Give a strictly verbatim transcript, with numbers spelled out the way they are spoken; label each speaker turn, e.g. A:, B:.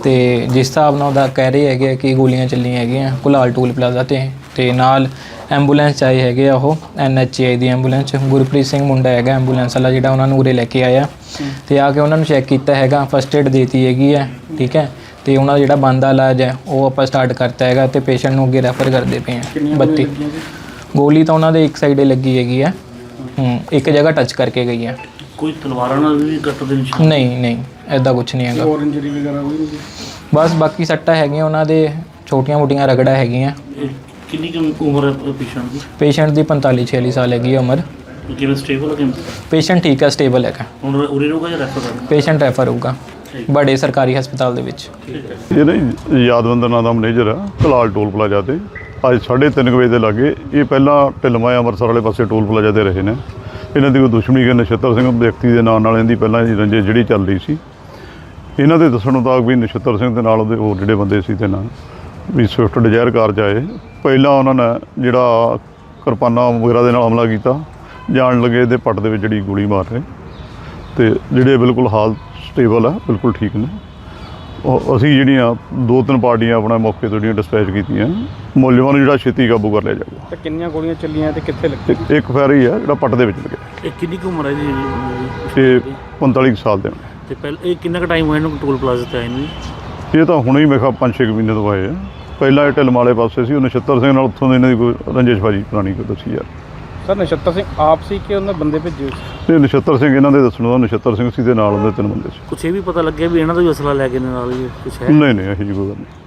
A: ਤੇ ਜਿਸ ਹਿਸਾਬ ਨਾਲ ਉਹਦਾ ਕਹਿ ਰਹੇ ਹੈਗੇ ਕਿ ਗੋਲੀਆਂ ਚੱਲੀਆਂ ਹੈਗੀਆਂ ਕੁਲਾਲ ਟੂਲ ਪਲਾਜ਼ਾ 'ਤੇ ਤੇ ਨਾਲ ਐਂਬੂਲੈਂਸ 'ਚ ਆਏ ਹੈਗੇ ਆ ਉਹ N H I the ambulance 'ਚ ਗੁਰਪ੍ਰੀਤ ਸਿੰਘ ਮੁੰਡਾ ਹੈਗਾ ਐਂਬੂਲੈਂਸ ਵਾਲਾ ਜਿਹੜਾ ਉਹਨਾਂ ਨੂੰ ਉਰੇ ਲੈ ਕੇ ਆਇਆ ਤੇ ਆ ਕੇ ਉਹਨਾਂ ਨੂੰ ਚੈੱਕ ਕੀਤਾ ਹੈਗਾ ਫਸਟ ਏਡ ਦੇਤੀ ਹੈਗੀ ਹੈ ਠੀਕ ਹੈ ਤੇ ਉਹਨਾਂ ਦਾ ਜਿਹੜਾ ਬਣਦਾ ਇਲਾਜ ਹੈ ਉਹ ਆਪਾਂ ਸਟਾਰਟ ਕਰਤਾ ਹੈਗਾ ਤੇ ਪੇਸ਼ੈਂਟ ਨੂੰ ਅੱਗੇ ਰੈਫਰ ਕਰਦੇ ਪਏ ਹਾਂ ਬੱਤੀ ਗੋਲੀ ਤਾਂ ਉਹਨਾਂ ਦੇ ਇੱਕ ਸਾਈਡੇ ਲੱਗੀ ਹੈਗੀ ਹੈ ਹੂੰ ਇੱਕ ਜਗ੍ਹਾ ਟੱਚ ਕਰਕੇ ਗਈ ਹੈ
B: ਕੋਈ ਤਲਵਾਰਾਂ ਨਾਲ ਵੀ ਕੱਟ ਦੇ ਨਿਸ਼ਾਨ
A: ਨਹੀਂ ਨਹੀਂ ਐਦਾਂ ਕੁਛ ਨਹੀਂ ਹੈਗਾ
C: ਹੋਰ ਇੰਜਰੀ ਵਗੈਰਾ ਹੋਈ ਨਹੀਂ
A: ਬਸ ਬਾਕੀ ਸੱਟਾਂ ਹੈਗੀਆਂ ਉਹਨਾਂ ਦੇ ਛੋਟੀਆਂ ਮੋਟੀਆਂ ਰਗੜਾ ਹੈਗੀਆਂ
B: ਕਿੰਨੀ ਕੁ ਉਮਰ ਹੈ ਪੇਸ਼ੈਂਟ ਦੀ
A: ਪੇਸ਼ੈਂਟ ਦੀ ਪੰਤਾਲੀ ਛਿਆਲੀ ਸਾਲ ਹੈਗੀ ਹੈ ਉਮਰ
B: ਕਿਵੇਂ ਸਟੇਬਲ ਹੈ ਕਿਵੇਂ
A: ਪੇਸ਼ੈਂਟ ਠੀਕ ਹੈ ਸਟੇਬਲ ਹੈਗਾ
B: ਹੁਣ ਉਰੇ ਰਹੂਗਾ ਜਾਂ ਰੈਫਰ ਕਰਨਾ
A: ਪੇਸ਼ੈਂਟ ਰੈਫਰ ਹੋਊਗਾ ਬੜੇ ਸਰਕਾਰੀ ਹਸਪਤਾਲ ਦੇ ਵਿੱਚ
D: ਇਹ ਨਾ ਯਾਦਵੰਦਰ ਨਾਂ ਦਾ ਮੈਨੇਜਰ ਆ ਕਲਾਲ ਟੋਲ ਪਲਾਜ਼ਾ ਤੇ ਅੱਜ ਸਾਢੇ ਤਿੰਨ ਵਜੇ ਦੇ ਲਾਗੇ ਇਹ ਪਹਿਲਾਂ ਢਿਲਮਾ ਅੰਮ੍ਰਿਤਸਰ ਵਾਲੇ ਪਾਸੇ ਟੋਲ ਪਲਾਜ਼ਾ ਤੇ ਰਹੇ ਨੇ ਇਹਨਾਂ ਦੀ ਕੋਈ ਦੁਸ਼ਮਣੀ ਕਿ ਨਛੱਤਰ ਸਿੰਘ ਵਿਅਕਤੀ ਦੇ ਨਾਂ ਨਾਲ ਇਹਦੀ ਪਹਿਲਾਂ ਰੰਜੇ ਜਿਹੜੀ ਚੱਲ ਰਹੀ ਸੀ ਇਹਨਾਂ ਦੇ ਦੱਸਣ ਮੁਤਾਬਕ ਵੀ ਨਛੱਤਰ ਸਿੰਘ ਦੇ ਨਾਲ ਉਹਦੇ ਹੋਰ ਜਿਹੜੇ ਬੰਦੇ ਸੀ ਤੇ ਨਾਲ ਵੀ ਸਵਿਫਟ ਡਿਜ਼ਾਇਰ ਕਾਰ 'ਚ ਆਏ ਪਹਿਲਾਂ ਉਹਨਾਂ ਨੇ ਜਿਹੜਾ ਕਿਰਪਾਨਾਂ ਵਗੈਰਾ ਦੇ ਨਾਲ ਹਮਲਾ ਕੀਤਾ ਜਾਣ ਲੱਗੇ ਇਹਦੇ ਪੱਟ ਦੇ ਵਿੱਚ ਜਿਹੜੀ ਗੋਲੀ ਮਾਰ ਰਹੇ ਤੇ ਜਿਹੜੇ ਬਿਲਕੁਲ ਹਾਲ ਸਟੇਬਲ ਆ ਬਿਲਕੁਲ ਠੀਕ ਨੇ ਉਹ ਅਸੀਂ ਜਿਹੜੀਆਂ ਦੋ ਤਿੰਨ ਪਾਰਟੀਆਂ ਆਪਣਾ ਮੌਕੇ ਤੋਂ ਜਿਹੜੀਆਂ ਡਿਸਪੈਚ ਕੀਤੀਆਂ ਮੁਲਜ਼ਮਾਂ ਨੂੰ ਜਿਹੜਾ ਛੇਤੀ ਕਾਬੂ ਕਰ ਲਿਆ ਜਾਊਗਾ
C: ਤੇ ਕਿੰਨੀਆਂ ਗੋਲੀਆਂ ਚੱਲੀਆਂ ਤੇ ਕਿੱਥੇ ਲੱਗੀ
D: ਇੱਕ ਫੈਰ ਹੀ ਆ ਜਿਹੜਾ ਪੱਟ ਦੇ ਵਿੱਚ ਲੱਗਿਆ
B: ਇਹ ਕਿੰਨੀ ਕੁ ਉਮਰ ਹੈ ਜੀ
D: ਤੇ ਪੰਤਾਲੀ ਕੁ ਸਾਲ ਦੇ ਨੇ
B: ਤੇ ਪਹਿਲਾਂ ਇਹ ਕਿੰਨਾ ਕੁ ਟਾਈਮ ਹੋਇਆ ਇਹਨੂੰ ਟੋਲ ਪਲਾਜ਼ਾ ਤੇ ਆਏ ਨੂੰ
D: ਇਹ ਤਾਂ ਹੁਣੇ ਹੀ ਮੇਰੇ ਖਿਆਲ ਪੰਜ ਛੇ ਮਹੀਨੇ ਤੋਂ ਆਏ ਆ ਪਹਿਲਾਂ ਇਹ ਢਿਲਮ ਵਾਲੇ ਪਾਸੇ ਸੀ ਉਹ ਨਛੱਤਰ ਸਿੰਘ ਨਾਲ ਉੱਥੋਂ ਦੇ ਇਹਨਾਂ ਦੀ ਕੋਈ ਰੰਜੇਸ਼ਬਾਜੀ ਪੁਰਾਣੀ ਕੋਈ ਦੱਸੀ ਯਾਰ
C: ਸਰ ਨਛੱਤਰ ਸਿੰਘ ਆਪ ਸੀ ਕਿ ਉਹਨਾਂ ਬੰਦੇ ਭੇਜੇ
D: ਤੇ ਨਛੱਤਰ ਸਿੰਘ ਇਹਨਾਂ ਦੇ ਦੱਸਣ ਦਾ ਨਛੱਤਰ ਸਿੰਘ ਸੀ ਦੇ ਨਾਲ ਉਹਦੇ ਤਿੰਨ ਬੰਦੇ ਸੀ
B: ਕੁਛ ਇਹ ਵੀ ਪਤਾ ਲੱਗਿਆ ਵੀ ਇਹਨਾਂ ਦਾ ਵੀ ਅਸਲਾ ਲੈ ਕੇ ਨਾਲ ਹੀ ਕੁਛ ਹੈ
D: ਨਹੀਂ ਨਹੀਂ ਇਹੋ ਜਿਹੀ ਕੋਈ ਗੱਲ ਨਹੀਂ